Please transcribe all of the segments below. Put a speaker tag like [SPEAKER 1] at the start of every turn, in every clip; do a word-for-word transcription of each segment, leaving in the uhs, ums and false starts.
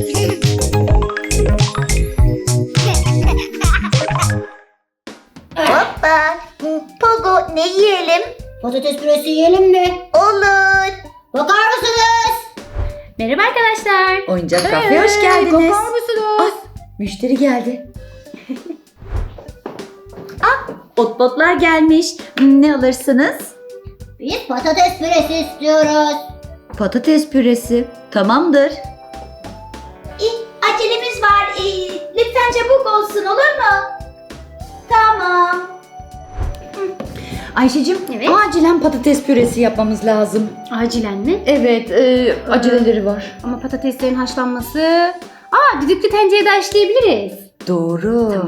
[SPEAKER 1] Hoppa. Pogo, ne yiyelim?
[SPEAKER 2] Patates püresi yiyelim mi?
[SPEAKER 1] Olur.
[SPEAKER 2] Bakar mısınız?
[SPEAKER 3] Merhaba arkadaşlar.
[SPEAKER 4] Oyuncak kafeye hoş geldiniz.
[SPEAKER 3] Bakar mısınız?
[SPEAKER 4] Ah, müşteri geldi. Ah, otbotlar gelmiş. Ne alırsınız?
[SPEAKER 2] Biz patates püresi istiyoruz.
[SPEAKER 4] Patates püresi. Tamamdır.
[SPEAKER 1] Acelemiz var. Ee, lütfen çabuk olsun, olur mu? Tamam.
[SPEAKER 4] Ayşe'cim,
[SPEAKER 3] Evet.
[SPEAKER 4] acilen patates püresi yapmamız lazım.
[SPEAKER 3] Acilen mi?
[SPEAKER 4] Evet, e, aceleleri var.
[SPEAKER 3] Ama patateslerin haşlanması... Aa, düdüklü tencerede haşlayabiliriz.
[SPEAKER 4] Doğru.
[SPEAKER 3] Tamam.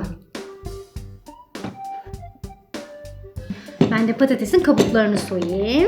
[SPEAKER 3] Ben de patatesin kabuklarını soyayım.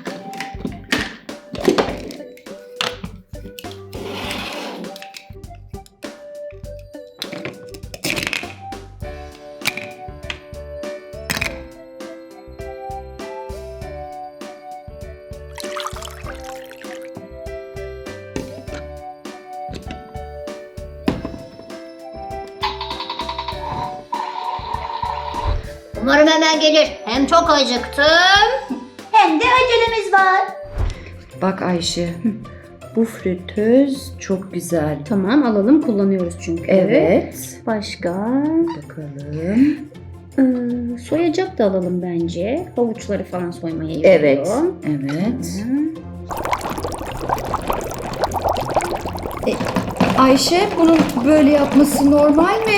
[SPEAKER 2] Umarım hemen gelir. Hem çok acıktım.
[SPEAKER 1] Hem de acelemiz var.
[SPEAKER 4] Bak Ayşe, bu fritöz çok güzel.
[SPEAKER 3] Tamam, alalım, kullanıyoruz çünkü.
[SPEAKER 4] Evet.
[SPEAKER 3] Başka?
[SPEAKER 4] Bakalım.
[SPEAKER 3] Ee, soyacak da alalım bence. Havuçları falan soymaya
[SPEAKER 4] Evet.
[SPEAKER 3] yarıyor.
[SPEAKER 4] Evet.
[SPEAKER 3] Hı.
[SPEAKER 4] Ayşe, bunun böyle yapması normal mi?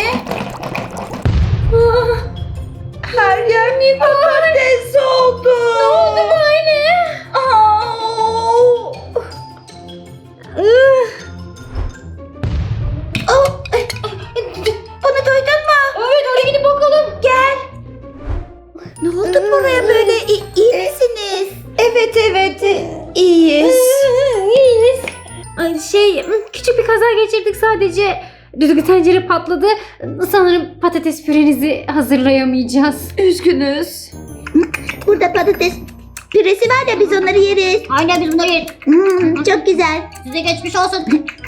[SPEAKER 4] Ah, her yer mi patates oldu? Ne oldu böyle?
[SPEAKER 1] Bunu duydun mu?
[SPEAKER 3] Evet, oraya gidip bakalım.
[SPEAKER 1] Gel. Ne oldu buraya böyle? İyi, iyi misiniz?
[SPEAKER 4] Evet evet iyiyiz.
[SPEAKER 3] İyiyiz. Ay, Şey, küçük bir kaza geçirdik sadece. Düdüklü tencere patladı. Sanırım patates pürenizi hazırlayamayacağız.
[SPEAKER 4] Üzgünüz.
[SPEAKER 1] Burada patates püresi var ya, biz onları yeriz.
[SPEAKER 2] Aynen biz bunları yeriz.
[SPEAKER 1] Hmm, çok güzel.
[SPEAKER 2] Size geçmiş olsun.